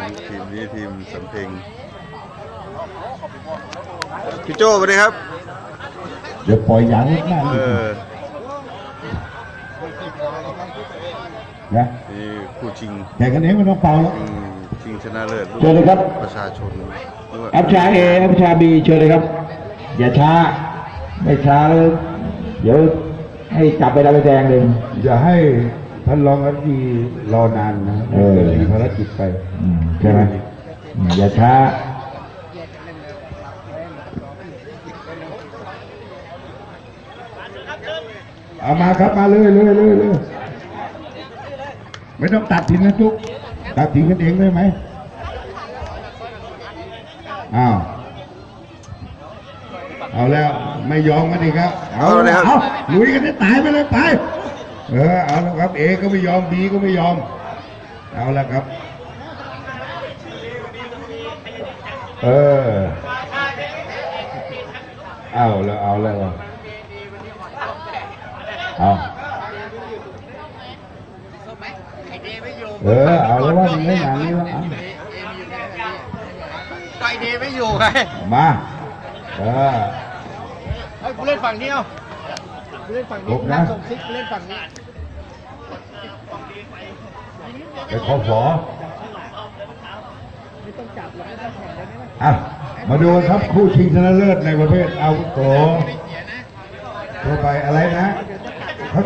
ทีมนี้ทีมสำเพ็งพี่โจ้สวัสดีครับเดี๋ยวปล่อยยางนิดหน้านะนี่คู่ชิงแต่กันเองไม่ต้องเป่าแล้วชิงชนะเลิศเชิญเลยครับประชาชนอัพชาเออัพชาบีเชิญเลยครับอย่าช้าไม่ช้าแล้วเดี๋ยวให้จับไปแล้วไปแดงเลยอย่าให้ท่านรองอธิบดีรอนานนะมีภารกิจไปใช่ไหมอย่าช้าเอามาครับมาเลยไม่ต้องตัดทิ้งนะทุกตัดทิ้งกันเองได้ไหมอ้าวเอาแล้วไม่ยอมกันอีกครับเอาลุยกันได้ตายไปเลยไปเอาแล้วครับเอก็ไม่ยอมบีก็ไม่ยอมเอาแล้วครับเอาแล้วเอาแล้วเอาเอาแล้วว่ามันไม่อย่างนี้แล้วไอเดไม่อยู่ไงมาให้กูเล่นฝั่งนี้เอากูเล่นฝั่งนี้นั่งส่งซิกกูเล่นฝั่งนี้ไปขอฝอมาดูครับคู่ชิงชนะเลิศในประเภทอาวุโสทั่วไปอะไรนะ